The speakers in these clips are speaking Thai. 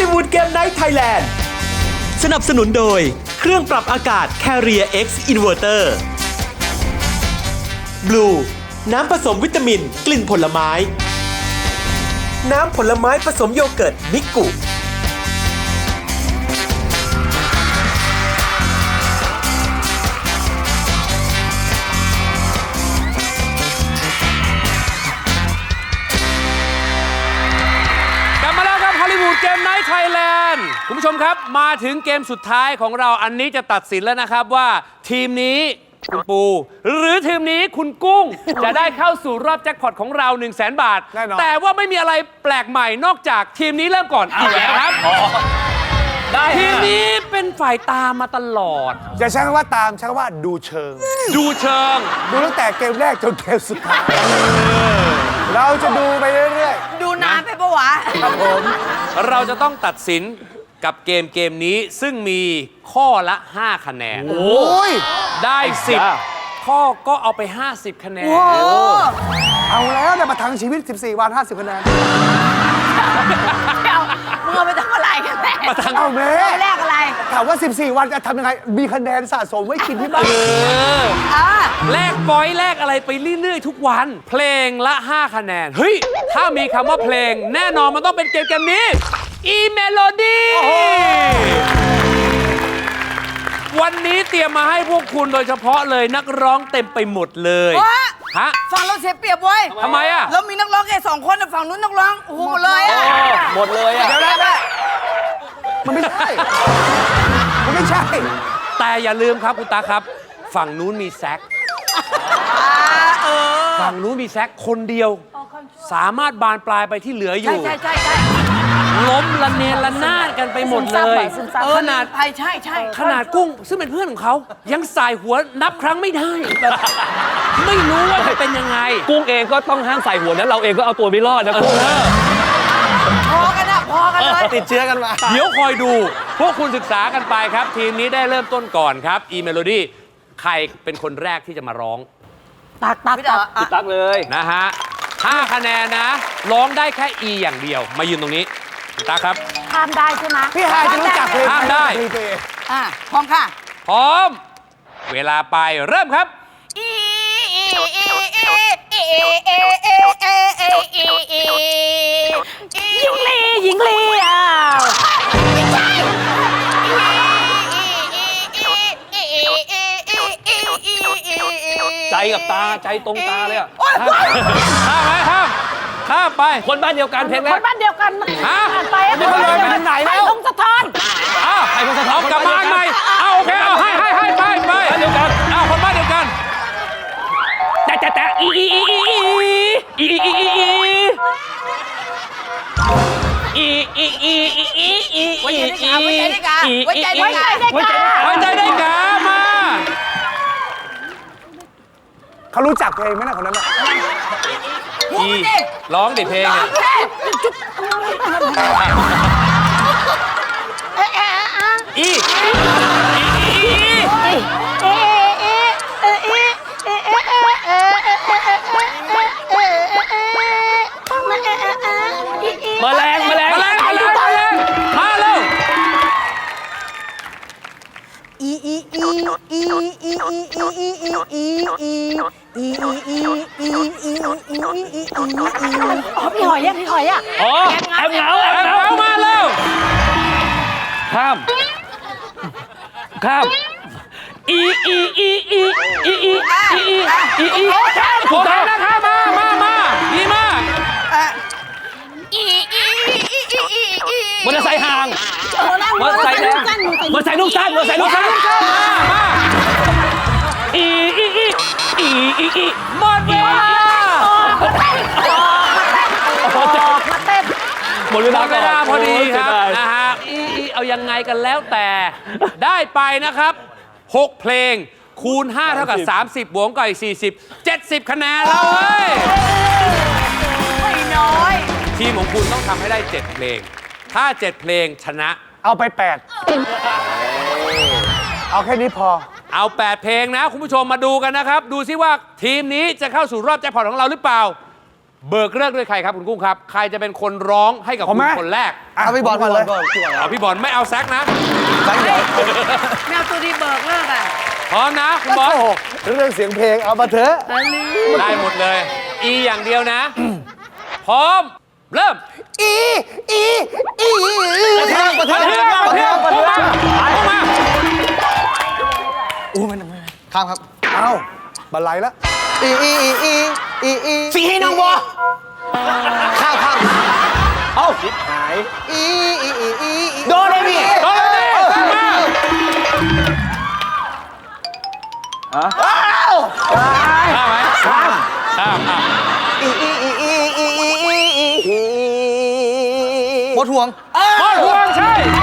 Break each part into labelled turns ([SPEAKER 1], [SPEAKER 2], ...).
[SPEAKER 1] ลิวูดเกมไนท์ไทยแลนด์สนับสนุนโดยเครื่องปรับอากาศ Carrier X Inverter Blue น้ำผสมวิตามินกลิ่นผลไม้น้ำผลไม้ผสมโยเกิร์ตมิกุ
[SPEAKER 2] เกมไนท์ไทยแลนด์คุณผู้ชมครับมาถึงเกมสุดท้ายของเราอันนี้จะตัดสินแล้วนะครับว่าทีมนี้คุณปูหรือทีมนี้คุณกุ้ง จะได้เข้าสู่รอบแจ็คพอตของเรา 100,000 บาทแต่ว่าไม่มีอะไรแปลกใหม่นอกจากทีมนี้เริ่มก่อนเอาแล้วครับทีมนี้เป็นฝ่ายตามมาตลอด
[SPEAKER 3] จะใช้คำว่าตามใช้คำว่าดูเชิง
[SPEAKER 2] ดูเชิง
[SPEAKER 3] ดูตั้งแต่เกมแรกจนเกมสุดท้ายเราจะดูไปเรื่อย
[SPEAKER 4] ๆดูนานไปปะวะ
[SPEAKER 3] ครับผม
[SPEAKER 2] เราจะต้องตัดสินกับเกมนี้ซึ่งมีข้อละ 5 คะแนน
[SPEAKER 3] โอ้ย
[SPEAKER 2] ได้ 10 ข้อก็เอาไป 50 คะแนน
[SPEAKER 3] เอาแล้วเนี่ยมาทั้งชีวิต 14 วัน 50 คะแนน
[SPEAKER 4] มึงเอาไปทำอะไรกันแน่
[SPEAKER 2] มาทั้ง
[SPEAKER 3] เอาแม่
[SPEAKER 4] แรกอะไร
[SPEAKER 3] ถามว่า 14 วันจะทำยังไงมีคะแนนสะสมไว้กินที่บ้าน
[SPEAKER 2] แลกปอยแลกอะไรไปเรื่อยๆทุกวันเพลงละ 5 คะแนนเฮ้ยถ้ามีคำว่าเพลงแน่นอนมันต้องเป็นเกมนี้อีเมโลดี้วันนี้เตรียมมาให้พวกคุณโดยเฉพาะเลยนักร้องเต็มไปหมดเลยฮะ
[SPEAKER 4] ฝั่งเราเสียเปรียบเว้ย
[SPEAKER 2] ทำไมอ่ะ
[SPEAKER 4] เรามีนักร้องแค่2 คนฝั่งนู้นนักร้องโอ้โหหมดเลยอ่ะ
[SPEAKER 2] หมดเลยอ่ะ
[SPEAKER 3] เดี๋ยวนะมันไม่ใช่มันไม่ใช่
[SPEAKER 2] แต่อย่าลืมครับคุณตาครับฝั่งนู้นมีแซกฝั่งนู้นมีแซกคนเดียวสามารถบานปลายไปที่เหลืออยู่
[SPEAKER 4] ใช่
[SPEAKER 2] ล้มละเนระนาดกันไปหมดเลยขนาด
[SPEAKER 4] ใช่
[SPEAKER 2] ขนาดกุ้งซึ่งเป็นเพื่อนของเขายังสายหัวนับครั้งไม่ได้ไม่รู้ว่าจะเป็นยังไง
[SPEAKER 5] กุ้งเองก็ต้องห้ามใส่หัวนั้นเราเองก็เอาตัวไม่รอดนะกุ้ง
[SPEAKER 4] พอกันเลย
[SPEAKER 3] ติดเชื้อกันมา
[SPEAKER 2] เดี๋ยวคอยดูพวกคุณศึกษากันไปครับทีมนี้ได้เริ่มต้นก่อนครับอีเมโลดี้ใครเป็นคนแรกที่จะมาร้อง
[SPEAKER 5] ตักเลย
[SPEAKER 2] นะฮะ5 คะแนนนะร้องได้แค่ E อย่างเดียวมายืนตรงนี้ตาครับ
[SPEAKER 4] ข้ามได้ใช่ไหม
[SPEAKER 3] พี่ฮายจะรู้จักเพลง
[SPEAKER 2] ข้ามได้
[SPEAKER 4] พร้อมค่ะ
[SPEAKER 2] พร้อมเวลาไปเริ่มครับ
[SPEAKER 4] หญิงลีอ้าว
[SPEAKER 5] ใจกับตาใจตรงตาเลยอ่ะ
[SPEAKER 2] ข้ามไป
[SPEAKER 5] คนบ้านเดียวกันเพลงแรก
[SPEAKER 4] คนบ้านเดียวกันผ่านไป
[SPEAKER 3] ไม่คนเลยไปทางไหนแล้ว
[SPEAKER 4] พงศธร
[SPEAKER 2] ให้พงศธรกลับมาใหม่เอาโอเคเอาให้ไป
[SPEAKER 5] บ้านเดียวกัน
[SPEAKER 2] คนบ้านเดียวกัน
[SPEAKER 5] แต่อี
[SPEAKER 4] ไว้ใจได้กา
[SPEAKER 2] มา
[SPEAKER 3] เขารู้จักเพลงไหมนะคนนั้น
[SPEAKER 2] ร้องดิเพลงเนี่ย
[SPEAKER 5] แมลงมาเร็ว
[SPEAKER 4] พี่หอยอ่ะ
[SPEAKER 5] อ๋อแอบเหงา
[SPEAKER 2] มาเร็ว
[SPEAKER 5] ข้าม
[SPEAKER 2] โอเคนะครับมาดีมาก
[SPEAKER 5] มอเตอร์ไซค์ห่างมอเตอร์ไซค์ลูกสั้นมา
[SPEAKER 2] หมดเวลา
[SPEAKER 5] หมดเวลา
[SPEAKER 2] พอดีครับนะฮะเอายังไงกันแล้วแต่ได้ไปนะครับ6 เพลงคูณ 5 เท่ากับ 30 บวกกับอีก 40 70 คะแนนแล้วเว้ย
[SPEAKER 4] ไม่น้อย
[SPEAKER 2] ทีมของคุณต้องทำให้ได้7 เพลงถ้า7 เพลงชนะ
[SPEAKER 3] เอาไป8เอาแค่นี้พอ
[SPEAKER 2] เอา8 เพลงนะคุณผู้ชมมาดูกันนะครับดูซิว่าทีมนี้จะเข้าสู่รอบแจ็คพอตของเราหรือเปล่าเบิกเลิกด้วยใครครับคุณกุ้งครับ ใครจะเป็นคนร้องให้กับคุณคนแรก
[SPEAKER 3] เอาพี่บอลก่อนเลย
[SPEAKER 2] เอาพี่บอลไม่เอาแซกนะ
[SPEAKER 4] แมวตัวดีเบิกเลิกอ่ะ
[SPEAKER 2] พร้อมนะคุณบอล
[SPEAKER 3] โอ้โหเรื่องเสียงเพลงเอามาเถอะ
[SPEAKER 2] ได้หมดเลย อีอย่างเดียวนะ พร้อม เริ่ม
[SPEAKER 5] ประเทืองประเทือง
[SPEAKER 2] ประเทืองประเทือง
[SPEAKER 5] ข้ามครับ
[SPEAKER 3] เอาบันไลแล้ว
[SPEAKER 5] สีให้น้องวอข้ามเอาหายโดนเลยพี่
[SPEAKER 2] โดนเลยดิมา ข้ามไหมข้าม
[SPEAKER 5] หมดห่วง
[SPEAKER 2] หมดห่วงใช่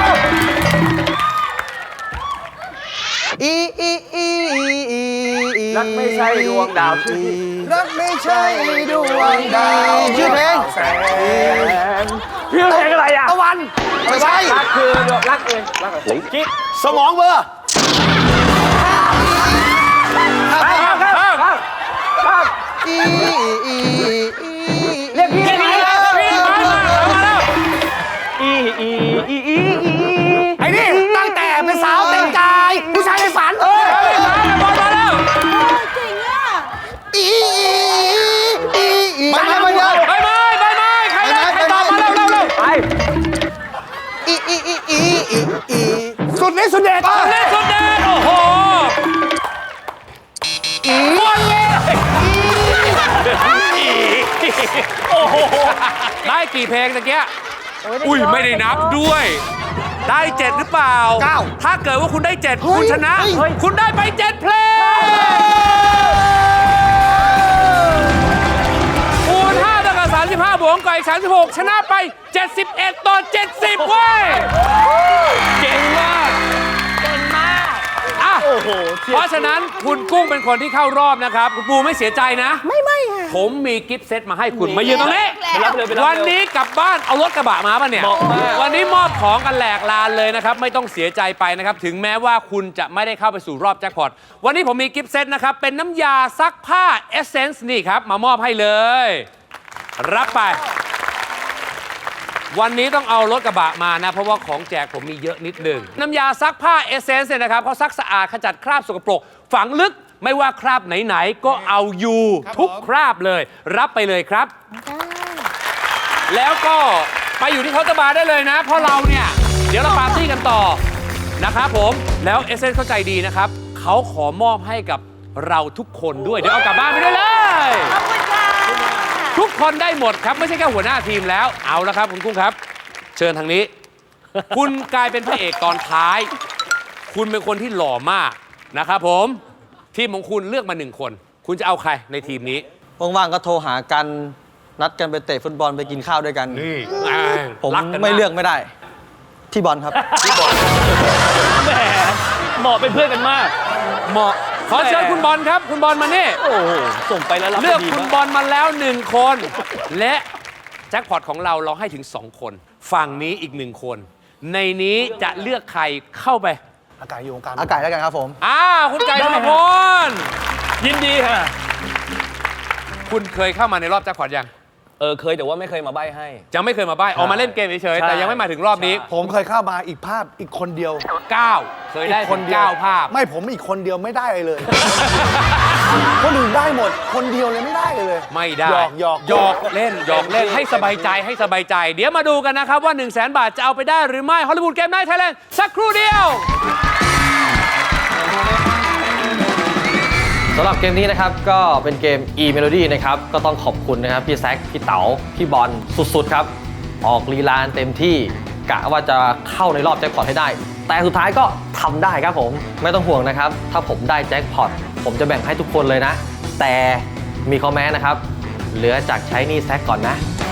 [SPEAKER 3] รักไม่ใช่ดวงดาวรักไม่ใช่ดวงดาว
[SPEAKER 5] ชื่อเพลง
[SPEAKER 3] แสง
[SPEAKER 5] ชื่อเพลงอะไรอ่ะตะวันไม่ใช่
[SPEAKER 3] รักคือรักเองรักอะไรกิ๊ก
[SPEAKER 5] สมองเบอร์
[SPEAKER 3] เรียกพี่ไหม
[SPEAKER 2] พี่มาแล้ว
[SPEAKER 3] ไอ้นี่ตั้งแต่เป็นสาวเต็มกายผู้ชายในฝัน
[SPEAKER 2] บอลมาแล้ว
[SPEAKER 4] เก่งอ่ะ
[SPEAKER 5] ไม่เยอะ
[SPEAKER 2] ใบไม้ใครตอบมาเร็วไป
[SPEAKER 3] สุดนี้สุดเด็ด
[SPEAKER 2] เล่นสุดเด่นโอ้โหบอลเลยโอ้โหได้กี่เพลงตะเกียอุ้ยไม่ได้นับด้วย ได้ 7 หรือเปล่า ถ้าเกิดว่าคุณได้ 7 คุณชนะ คุณได้ไป 7 เพลงคูณ5เท่ากับ35บวกกับอีก36ชนะไป 71 ต่อ 70เว้ยเก่งมาก
[SPEAKER 4] เก่งมาก
[SPEAKER 2] อ่ะเพราะฉะนั้นคุณกุ้งเป็นคนที่เข้ารอบนะครับ คุณปูไม่เสียใจนะ ไม่ค่ะ ผมมีกิฟต์เซตมาให้คุณมายืนตรงนี้
[SPEAKER 5] ไปรับเลย
[SPEAKER 2] วันนี้กลับบ้านเอารถกระบะมาป่ะเนี่ย
[SPEAKER 5] เหมาะมาก
[SPEAKER 2] วันนี้มอบของกันแหลกลานเลยนะครับ ไม่ต้องเสียใจไปนะครับ ถึงแม้ว่าคุณจะไม่ได้เข้าไปสู่รอบแจ็คพอต วันนี้ผมมีกิฟต์เซตนะครับ เป็นน้ำยาซักผ้าเอเซนส์นี่ครับ มามอบให้เลย รับไป วันนี้ต้องเอารถกระบะมานะ เพราะว่าของแจกผมมีเยอะนิดหนึ่งน้ำยาซักผ้าเอเซนส์เนี่ยนะครับเขาซักสะอาดขจัดคราบสกปรก ฝังลึกไม่ว่าคราบไหนๆก็เอาอยู่ทุกคราบเลย รับไปเลยครับ แล้วก็ไปอยู่ที่เคาน์เตอร์บาร์ได้เลยนะ เพราะเราเนี่ย เดี๋ยวเราปาร์ตี้กันต่อนะครับผมแล้วเอเซนส์เข้าใจดีนะครับเขาขอมอบให้กับเราทุกคนด้วยเดี๋ยวเอากลับบ้านไปด้วยเลย
[SPEAKER 4] ขอบคุณค่ะ
[SPEAKER 2] ทุกคนได้หมดครับ ไม่ใช่แค่หัวหน้าทีมแล้วเอาละครับคุณกุ้งครับ เชิญทางนี้ คุณกลายเป็นพระเอกตอนท้าย คุณเป็นคนที่หล่อมากนะครับผมทีมของคุณเลือกมา1 คน คุณจะเอาใครในทีมนี้
[SPEAKER 5] ว่างๆก็โทรหากันนัดกันไปเตะฟุตบอลไปกินข้าวด้วยกัน
[SPEAKER 2] นี่
[SPEAKER 5] ผม
[SPEAKER 2] รักัน
[SPEAKER 5] ไม่เลือกไม่ได้ ที่บอลครับ
[SPEAKER 6] แหมเหมาะเป็นเพื่อนกันมาก
[SPEAKER 2] เหมาะขอเชิญคุณบอลครับ คุณบอลมานี่
[SPEAKER 6] โอ้โห ส่งไปแล้วรับ
[SPEAKER 2] เลือก
[SPEAKER 6] ดี
[SPEAKER 2] คุณ
[SPEAKER 6] มาก
[SPEAKER 2] บอลมาแล้ว1 คน และแจ็คพอตของเราให้ถึง2 คน ฝั่งนี้อีก1 คน ในนี้จะเลือกใครเข้าไป
[SPEAKER 3] อากาศอยู่วงการ
[SPEAKER 5] อากาศแล้วกันครับผม
[SPEAKER 2] คุณไก่ธนพล
[SPEAKER 6] ยินดีค่ะ
[SPEAKER 2] คุณเคยเข้ามาในรอบแจ็คพอตยัง
[SPEAKER 6] เคยแต่ว่าไม่เคยมาใบ้ให้
[SPEAKER 2] ยังไม่เคยมาใบ้ออกมาเล่นเกมเฉยๆ
[SPEAKER 6] ใช่
[SPEAKER 2] แต่ยังไม่มาถึงรอบนี้
[SPEAKER 3] ผมเคยเข้ามาอีกภาพอีกคนเดียว
[SPEAKER 2] 9 เคยได้
[SPEAKER 3] อีก
[SPEAKER 2] คนเดียวภาพ
[SPEAKER 3] ไม่ผมอีกคนเดียวไม่ได้เลย คนอื่นได้หมด คนเดียวเลยไม่ได้เลย
[SPEAKER 2] ไม่ได้
[SPEAKER 3] หยอก
[SPEAKER 2] เล่นให้สบายใจให้สบายใจ เดี๋ยวมาดูกันนะครับว่า 100,000 บาทจะเอาไปได้หรือไม่ฮอลลีวูดเกมไนท์ไทยแลนด์สักครู่เดียว
[SPEAKER 7] สำหรับเกมนี้นะครับก็เป็นเกม E-Melody นะครับก็ต้องขอบคุณนะครับพี่แซคพี่เต๋าพี่บอลสุดๆครับออกลีลาเต็มที่กะว่าจะเข้าในรอบแจ็คพอตให้ได้ แต่สุดท้ายก็ทำได้ครับผมไม่ต้องห่วงนะครับถ้าผมได้แจ็คพอตผมจะแบ่งให้ทุกคนเลยนะ แต่มีข้อแม้นะครับเหลือจากใช้หนี้แซคก่อนนะ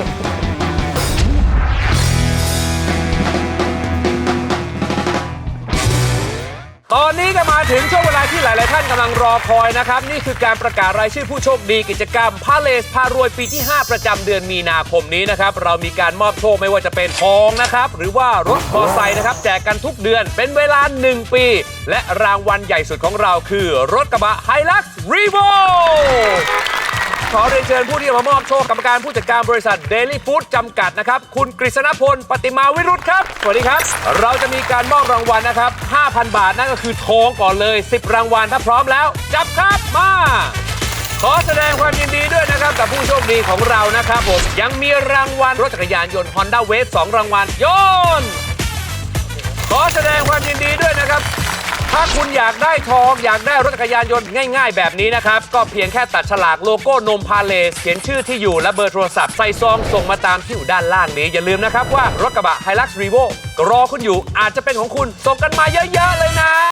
[SPEAKER 2] ตอนนี้ก็มาถึงช่วงเวลาที่หลาย ๆ ท่านกำลังรอคอยนะครับ นี่คือการประกาศรายชื่อผู้โชคดีกิจกรรมพาเลสพารวยปีที่ 5 ประจำเดือนมีนาคมนี้นะครับ เรามีการมอบโชคไม่ว่าจะเป็นทองนะครับ หรือว่ารถมอเตอร์ไซค์นะครับ แจกกันทุกเดือนเป็นเวลา 1 ปี และรางวัลใหญ่สุดของเราคือรถกระบะ Hilux Revo ขอเรียนเชิญผู้ที่มามอบโชคกรรมการผู้จัดการบริษัท Daily Food จำกัดนะครับคุณกฤษณพลปฏิมาวิรุธครับสวัสดีครับเราจะมีการมอบรางวัลนะครับ 5,000 บาทนั่นก็คือทองก่อนเลย10รางวัลถ้าพร้อมแล้วจับครับมาขอแสดงความยินดีด้วยนะครับกับผู้โชคดีของเรานะครับผมยังมีรางวัลรถจักรยานยนต์ Honda Wave 2 รางวัลโยนขอแสดงความยินดีด้วยนะครับถ้าคุณอยากได้ทองอยากได้รถจักรยานยนต์ง่ายๆแบบนี้นะครับก็เพียงแค่ตัดฉลากโลโก้นมพาเลสเขียนชื่อที่อยู่และเบอร์โทรศัพท์ใส่ซองส่งมาตามที่อยู่ด้านล่างนี้อย่าลืมนะครับว่ารถกระบะ Hilux Revo รอคุณอยู่อาจจะเป็นของคุณส่งกันมาเยอะๆเลยนะ